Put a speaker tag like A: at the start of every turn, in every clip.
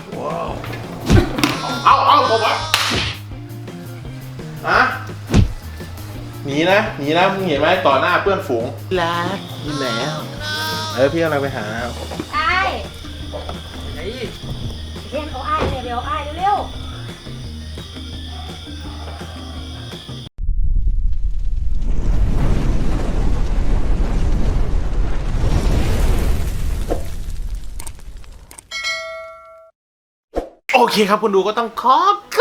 A: เอาผมวะฮะหนีนะมึงเห็นไหมต่อหน้าเพื่อนฝูงรักนี่แล้วพี่กำลังไปหา
B: ไอ้เรียนเขาไอ้เร็วไอ้เร็ว
A: โอเคครับคุณดูก็ต้องขอก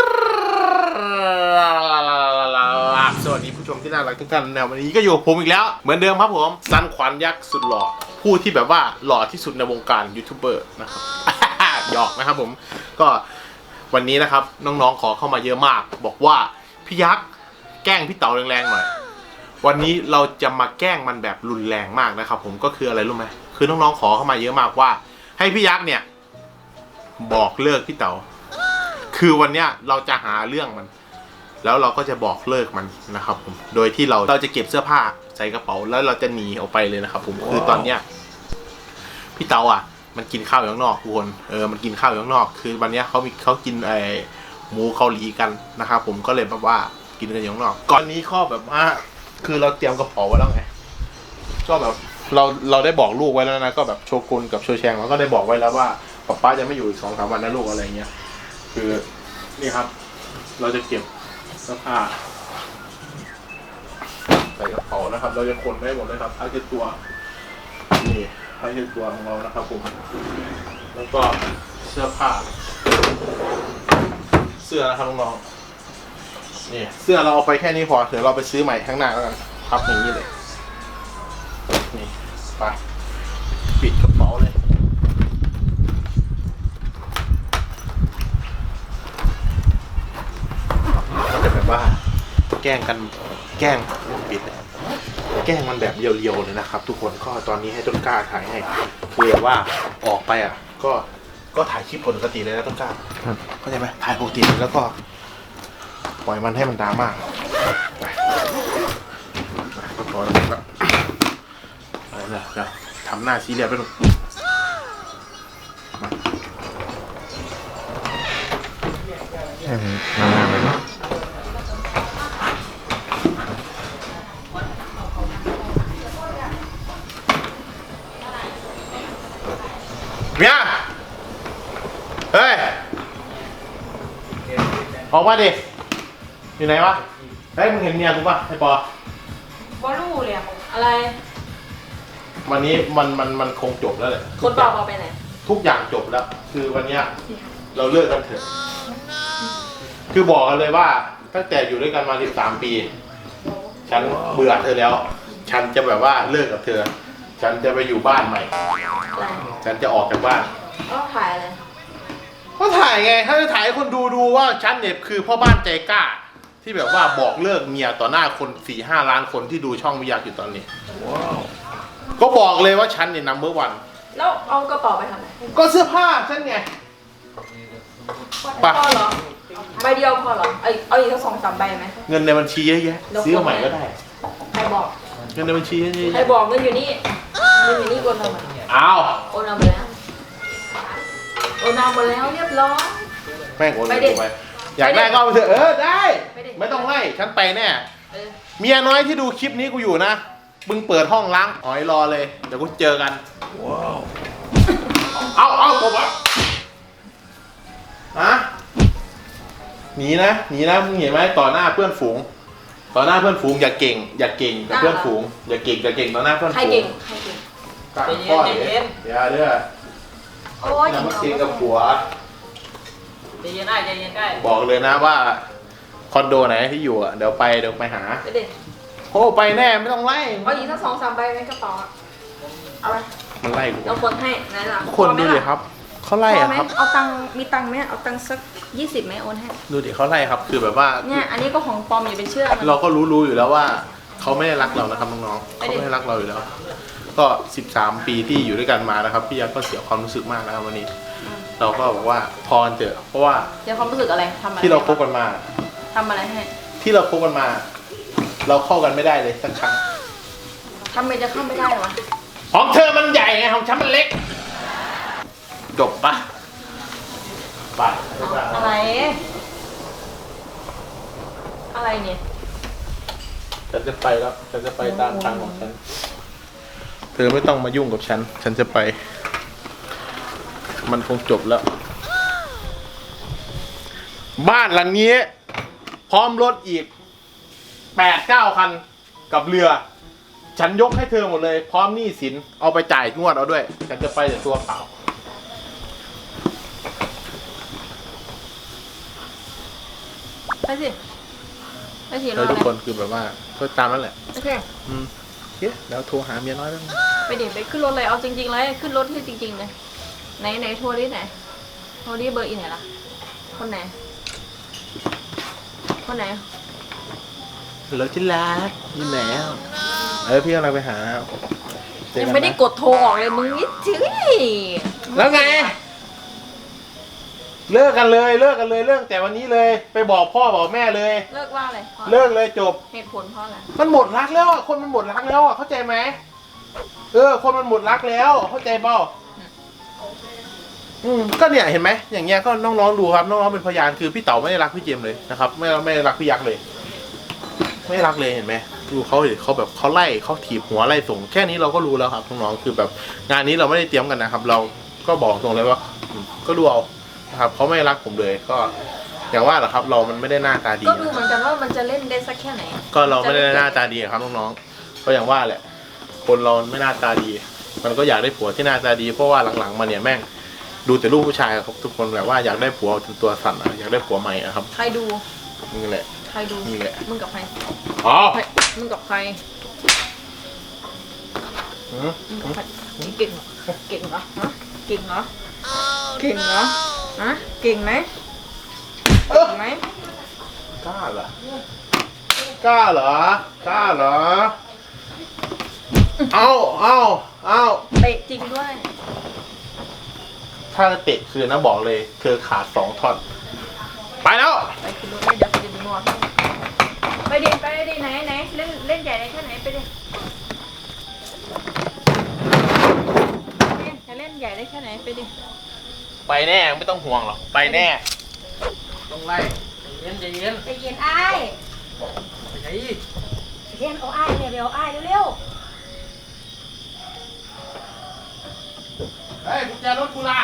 A: ราบสวัสดีผู้ชมที่น่ารักทุกท่านในวันนี้ก็อยู่กับผมอีกแล้วเหมือนเดิมครับผมซันขวัญยักษ์สุดหล่อผู้ที่แบบว่าหล่อที่สุดในวงการยูทูบเบอร์นะครับ หยอกนะครับผมก็วันนี้นะครับน้องๆขอเข้ามาเยอะมากบอกว่าพี่ยักษ์แกล้งพี่เต๋าแรงๆหน่อยวันนี้เราจะมาแกล้งมันแบบรุนแรงมากนะครับผมก็คืออะไรรู้ไหมคือน้องๆขอเข้ามาเยอะมากว่าให้พี่ยักษ์เนี่ยบอกเลิกพี่เต๋าคือวันเนี้ยเราจะหาเรื่องมันแล้วเราก็จะบอกเลิกมันนะครับผมโดยที่เราจะเก็บเสื้อผ้าใส่กระเป๋าแล้วเราจะหนีออกไปเลยนะครับผมคือตอนเนี้ยพี่เต๋าอ่ะมันกินข้าวอยู่ข้างนอกทุกคนมันกินข้าวอยู่ข้างนอกคือวันเนี้ยเขากินหมูเกาหลีกันนะครับผมก็เลยแบบว่ากินกันอยู่ข้างนอกก่อนนี้ข้อแบบว่าคือเราเตรียมกระเป๋าไว้แล้วไงก็แบบเราได้บอกลูกไว้แล้วนะก็แบบโชกุนกับโชแชงเราก็ได้บอกไว้แล้วว่าป๊าจะไม่อยู่อีก 2-3 วันนะลูกอะไรเงี้ยคือนี่ครับเราจะเก็บเสื้อผ้าใส่กระเป๋านะครับเราจะขนไว้หมดเลยครับผ้าเช็ดตัวนี่ผ้าเช็ดตัวของเรานะครับผมแล้วก็เสื้อผ้าเสื้อนะครับน้องๆนี่เสื้อเราเอาไปแค่นี้พอเดี๋ยวเราไปซื้อใหม่ข้างหน้าแล้วกันพับอย่างนี้เลยนี่ไปปิดกระเป๋าเลยว่าแกล้งกันแกล้งปิดแกล้งมันแบบเรียวๆเลยนะครับทุกคนก็ตอนนี้ให้ต้นกล้าถ่ายให้คือแบบว่าออกไปอ่ะก็ถ่ายคลิปปกติเลยนะต้นกล้าเข้าใจไหมถ่ายปกติแล้วก็ปล่อยมันให้มันดราม่าไปก็พอแล้วครับไปแล้วทำหน้าซีเรียสไปหน่อยมาไปเนาะเมียเฮ้ยออกมาดิอยู่ไหนวะเฮ้ยมึงเห็นเมียกูป่ะไอ้ปอบ
B: อลูเลยอะไร
A: วันนี้มันคงจบแล้วแหละ
B: คนปอไปไหน
A: ทุกอย่างจบแล้วคือวันนี้เราเลิกกันเถอะคือบอกกันเลยว่าตั้งแต่อยู่ด้วยกันมา13 ปีฉันเบื่อเธอแล้วฉันจะแบบว่าเลิกกับเธอฉันจะไปอยู่บ้านใหม่ฉันจะออกจากบ้าน
B: ก็ถ่ายอะไร
A: ก็ถ่ายไงถ้าจะถ่ายให้คนดูว่าฉันเนี่ยคือพ่อบ้านใจกล้าที่แบบว่าบอกเลิกเมียต่อหน้าคน 4-5 ล้านคนที่ดูช่องวิทยาอยู่ตอนนี้ก็บอกเลยว่าฉันเนี่ยนัมเบอร์วัน
B: แล้วเอากระเป๋าไปทำไม
A: ก็เสื้อผ้าฉันไง
B: พอเหรอใบเดียวพอเหรอเอาอีกสัก2-3 ใบไหม
A: เงินในบัญชีเยอะแยะซื้อใหม่ก็ได้
B: ใครบอก
A: เงินในบัญชีเยอะแยะ
B: ใครบอกเงินอยู่นี่โอนเอามา
A: อ้าว
B: โอนเอาไปแล้วโอนเอาไปแล้วเรียบร้อย
A: แม่งโอนไปอยากได้ก็ไปเถอะได้ไม่ต้องไล่ฉันไปแน่เมียน้อยที่ดูคลิปนี้กูอยู่นะมึงเปิดห้องล้างอ๋อยรอเลยเดี๋ยวกูเจอกันว้าวเอาผมวะฮะหนีนะมึงเห็นไหมต่อหน้าเพื่อนฝูงอย่าเก่งกับเพื่อนฝูงอย่าเก่งต่อหน้าเพื่อนฝูง
B: ใครเก่ง
A: ต่างพ่อเนี่ยเดี๋ยวเด้อ
B: โอ้ย
A: อย่ามาเก่งกับผัว
B: ใจเย็นได้
A: บอกเลยนะว่าคอนโดไหนที่อยู่อ่ะเดี๋ยวไปหาโอ้ไปแน่ไม่ต้องไล่
B: เอาอีกสัก2-3 ใบในกระเป๋าเอาไป
A: มันไล่กู
B: เราคนให้ไหนล่ะ
A: คนดูดิครับเขาไล่อะครับ
B: เอาตังมีตังไหมเอาตังสัก20ไหมโอนให้
A: ดูดิเขาไล่ครับคือแบบว่า
B: เนี่ยอันนี้ก็ของปลอมอย่าไปเชื่อ
A: เราก็รู้อยู่แล้วว่าเขาไม่ได้รักเรานะครับน้องๆเขาไม่ได้รักเราอยู่แล้วก็13 ปีที่อยู่ด้วยกันมานะครับพี่ยักษ์ก็เสียความรู้สึกมากนะครับวันนี้เราก็บอกว่าพอเถอะเพราะว่า
B: เสียความรู้สึกอะไรทำอะไร
A: ที่เราคบกันมา
B: ทำอะไรให้
A: ที่เราคบกันมาเราเข้ากันไม่ได้เลยสักครั้ง
B: ทำไมจะเข้าไม่ได้วะ
A: ของเธอมันใหญ่ไงของฉันมันเล็กจบปะไป
B: อะไร อะไรเนี่ย
A: ฉันจะไปแล้วฉันจะไปตามทางของฉันเธอไม่ต้องมายุ่งกับฉันฉันจะไป มันคงจบแล้ว บ้านหลังนี้ พร้อมรถอีก 8-9 คันกับเรือ ฉันยกให้เธอหมดเลย พร้อมหนี้สินเอาไปจ่ายงวดเอาด้วย ฉันจะไปแต่ตัวเปล่า
B: ไปสิ ไปสิร
A: เล
B: อย
A: ทุก
B: อะไร
A: คนคือแบบว่าก็ตามนั้นแหละ
B: โอเค
A: โอเคแล้วโทรหาเมียน้อยแล้วนะ
B: ไปเดี๋ยวไปขึ้นรถเลย เอาจริงๆเลยขึ้นรถที่จริงๆเลย ไหนโทรดิไหน โทรดิเบอร์อีไหนล่ะ คนไหน คนไหน
A: รถที่รักอยู่ไหนอ่ะพี่กำลังไปหาเจอ
B: ยัง
A: กันนะ
B: ไม่ได้กดโทรออกเลยมึงนี่จื้อ
A: แล้วไง เลิกกันเลยเลิกแต่วันนี้เลย ไปบอกพ่อบอกแม่เลย
B: เลิกว่าอะไรเพราะ
A: เลิกเลยจบ
B: เหตุผลเพราะอะไร
A: มันหมดรักแล้วอะคนมันหมดรักแล้วอะเข้าใจไหมคนมันหมดรักแล้วเข้าใจเปล่าก็เนี่ยเห็นไหมอย่างเงี้ยก็น้องๆดูครับน้องๆเป็นพยานคือพี่เต๋าไม่ได้รักพี่เจมส์เลยนะครับไม่ได้รักพี่ยักษ์เลย ไม่รักเลยเห็นไหมดูเขาดิเขาแบบเขาไล่เขาถีบหัวไล่ส่งแค่นี้เราก็รู้แล้วครับน้องๆคือแบบงานนี้เราไม่ได้เตรียมกันนะครับ เราก็บอกตรงเลยว่าก็ดูเอานะครับเขาไม่รักผมเลยก็อย่างว่าแหละครับ เรามันไม่ได้หน้าตาดี
B: ก็ดูเหมือนกันว่ามันจะเล่นได้สักแค่ไหน
A: ก็เราไม่ได้หน้าตาดีครับน้องๆก็อย่างว่าแหละ คนเราไม่หน้าตาดี มันก็อยากได้ผัวที่หน้าตาดีเพราะว่าหลังๆมาเนี่ยแม่งดูแต่ลูกผู้ชายครับทุกคนแบบว่าอยากได้ผัวจนตัวสั่นอะอยากได้ผัวใหม่อะครับ
B: ใครดู
A: นี่แหละ
B: ใครดู
A: นี่แหละ
B: มึงกับใคร
A: อ๋อ
B: มึงกับใคร
A: หืม
B: มึงกับใครเก่งเหรอเก่งเหรอฮะเก่งเหรอเก่งเหรอฮะเก่งไหมเก่งไหม
A: กล้าเหรอกล้าเหรอกล้าเหรอเอา
B: เตะจริงด้วย
A: ถ้าเตะคือนะบอกเลยเธอขาด2 ท่อนไปแล้ว
B: ไปขึ้นรถเลยเดี๋ยวไปดึงนวดไปดิไหนเล่นใหญ่ได้แค่ไหนไปดิจะเล่นใหญ่ได้แค่ไหนไปดิ
A: ไปแน่ไม่ต้องห่วงหรอกไปแน่ต้องไล่ใจเย็น
B: ใจเย็นอ้าย
A: ไปไหน
B: เย็นเอาอ้ายเนี่ยเร็วอ้ายเร็ว
A: เฮ้ยกุญแจรถกูล่ะ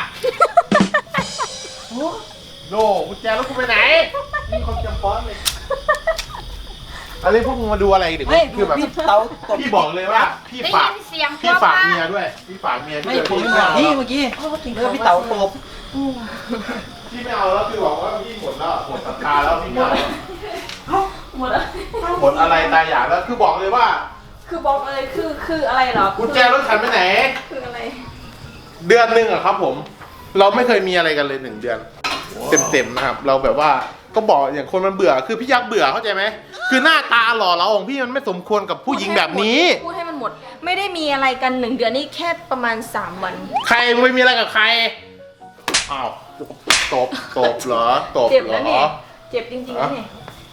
A: โน่กุญแจรถกูไปไหนนี่คนจำป้อนเลยอะไรพวกมึงมาดูอะไรเด็กคือแบบพี่บอกเลยว่าพี่ฝากเมียด้วยพี่ฝากเมียด้วย
C: ผมไม่มาพี่เมื่อกี้พี่เต๋าตบ
A: พี่ไม่เอาแล้วคือบอกว่าพี่หมดแล้วหมดศรัทธาแล้วพี่ไม่เอา
B: หมดแล้ว
A: หมดอะไรตายอยากแล้วคือบอกเลยว่า
B: คือบอกเลยคืออะไรเหรอ
A: กุญแจรถฉันไปไหน
B: คืออะไร
A: เดือนหนึ่งอะครับผม เราไม่เคยมีอะไรกันเลย1 เดือน เต็มๆนะครับ เราแบบว่าก็บอกอย่างคนมันเบื่อคือพี่ยักษ์เบื่อเข้าใจไหมคือหน้าตาหล่อเราของพี่มันไม่สมควรกับผู้หญิงแบบนี้
B: พูดให้มันหมด ไม่ได้มีอะไรกัน1 เดือนนี่แค่ประมาณ3 วัน
A: ใครไม่มีอะไรกับใครอ้าวตบเหรอตบ
B: เจ็บ
A: เหร
B: แล้ว
A: อ
B: เนี่ยเจ็บจริงๆนะเนี่ย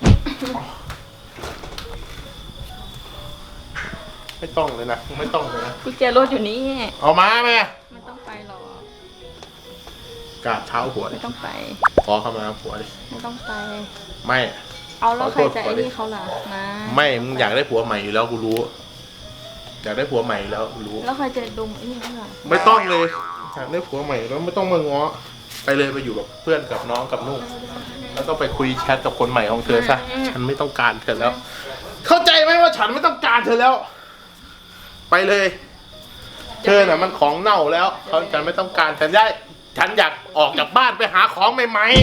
A: ไม่ต้องเลยนะไม่ต้องเลยนะ
B: กุญแจรถอยู่นี่
A: เอามาไหม
B: ไม่ต้องไปหรอก
A: กราบเท้าหัวดิ
B: ไม่ต้องไป
A: ขอเข้ามาหัวดิ
B: ไม่ต้องไป
A: ไม่
B: เอาแล้วใครจะ
A: ขอโทษ
B: ไอ้นี่เขาล่ะนะ
A: ไม่มึงอยากได้ผัวใหม่อยู่แล้วกูรู้ อยากได้ผัวใหม่อยู่แล้วกูรู้
B: แล้วใครจะดมไอ้นี่เขาล่ะ
A: ไม่ต้องเลยอยากได้ผัวใหม่แล้วไม่ต้องมาง้อไปเลยไปอยู่กับเพื่อนกับน้องกับนุ่งแล้วก็ไปคุยแชทกับคนใหม่ของเธอซะฉันไม่ต้องการเธอแล้ว เข้าใจไหมว่าฉันไม่ต้องการเธอแล้ว ไปเลย เธอน่ะมันของเน่าแล้วฉันไม่ต้องการฉันอยากออกจากบ้านไปหาของใหม่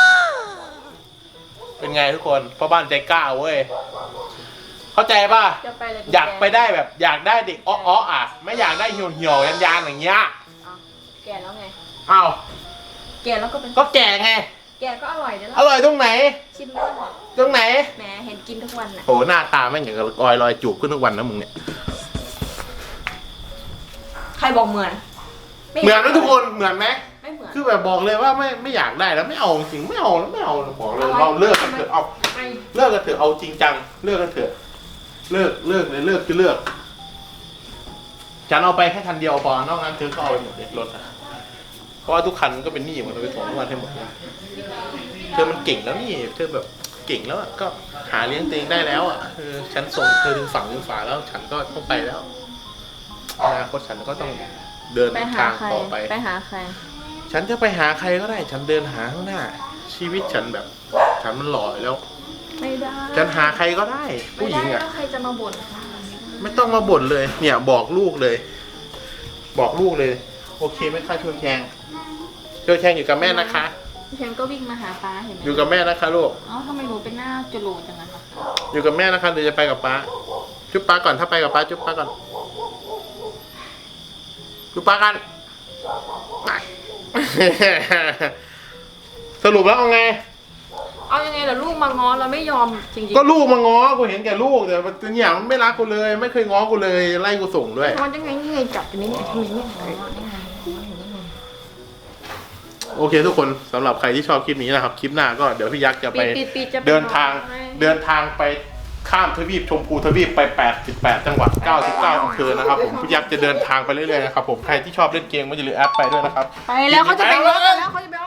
A: ๆเป็นไงทุกคนพ่อบ้านใจกล้าเว้ยเข้าใจป่ะ
B: จะไปเลย
A: อยากไปได้แบบอยากได้เด็กอ้อๆอ่ะไม่อยากได้เหี่ยวๆยานๆอย่างเงี้ย
B: เอาแก่แล้วไง
A: อ้าว
B: แก่แล้วก็เป็น
A: ก็แก่ไง
B: แก่ก็อร่อยเดี๋ยว
A: อร่อยตรงไหน
B: ชิมด้วย
A: ตรงไหน
B: แหมเห็นกินทุกวันน่ะ
A: โหหน้าตาแม่งอย่างกับออยลอยจูบขึ้นทุกวันนะมึงเนี่ย
B: ใครบอกเหมือน
A: เหมือนไหมทุกคนเหมือนไหม
B: ไม่เหมือน
A: คือแบบบอกเลยว่าไม่อยากได้แล้วไม่เอาจริงไม่เอาแล้วไม่เอาบอกเลยเราเลิกกันเถอะเอา
B: ไม่
A: เลิกกันเถอะเอาจริงจังเลิกกันเถอะเลิกเลยเลิกคือเลิกฉันเอาไปแค่คันเดียวพอนอกนั้นเธอก็เอาไปหมดเลยรถอะเพราะว่าทุกคันก็เป็นหนี้หมดเราไปส่งทุกวันให้หมดเลยเธอมันเก่งแล้วนี่เธอแบบเก่งแล้วอะก็หาเลี้ยงตัวเองได้แล้วอ่ะฉันส่งเธอถึงฝั่งถึงฝาแล้วฉันก็ต้องไปแล้วอนาคตฉันก็ต้องเดิน
B: ไปหา
A: ทาง
B: ใคร
A: ต่อไป
B: ไปหาใคร
A: ฉันจะไปหาใครก็ได้ ฉันเดินหาข้างหน้า ชีวิตฉันแบบ ฉันมันหล่ออยู่แล้ว
B: ไม่ได้
A: ฉันหาใครก็ได้ ผู้หญิง
B: ไม่ได้
A: อ่ะ
B: แล้วใครจะมาบ่นคะ
A: ไม่ต้องมาบ่นเลย เนี่ยบอกลูกเลย บอกลูกเลย โอเคไหมคะชวนแขงชวนแขงอยู่กับแม่นะคะ
B: เพียงก็วิ่งมาหาป้าเห็นไหม
A: อยู่กับแม่นะคะลูก
B: เอ้าทำไมหนูเป็นหน้าจุลูจังอะคะ
A: อยู่กับแม่นะคะเดี๋ยวจะไปกับป้า จุ๊บป้าก่อนถ้าไปกับป้าจุ๊บป้าก่อน จุ๊บป้ากันไป สรุปแล้วเอาไง
B: เอายังไงล่ะลูกมาง้อเราไม่ยอมจริงๆ
A: ก็ลูกมาง้อ กูเห็นแก่ลูกแต่เนี่ยมันไม่รักกูเลย ไม่เคยง้อกูเลย ไล่กูส่งด้วย
B: มันยังไงนี่ไงจับอยู่นี่ไงทำไมไม่ง้อนี่ไง
A: โอเคทุกคนสำหรับใครที่ชอบคลิปนี้นะครับ คลิปหน้าก็เดี๋ยวพี่ยักษ์จะไป
B: ปิดจะไป
A: เดินทาง
B: ให้
A: เดินทางไปข้ามทวีปชมพูทวีปไป88จังหวัด99อำเภอนะครับผมพี่ยักษ์จะเดินทางไปเรื่อยๆนะครับผมใครที่ชอบเล่นเกมก็อย่าลืมแอดไปด้วยนะครับ
B: ไปแล้วเขาจะไปง้อกันแล้วเขาจะไป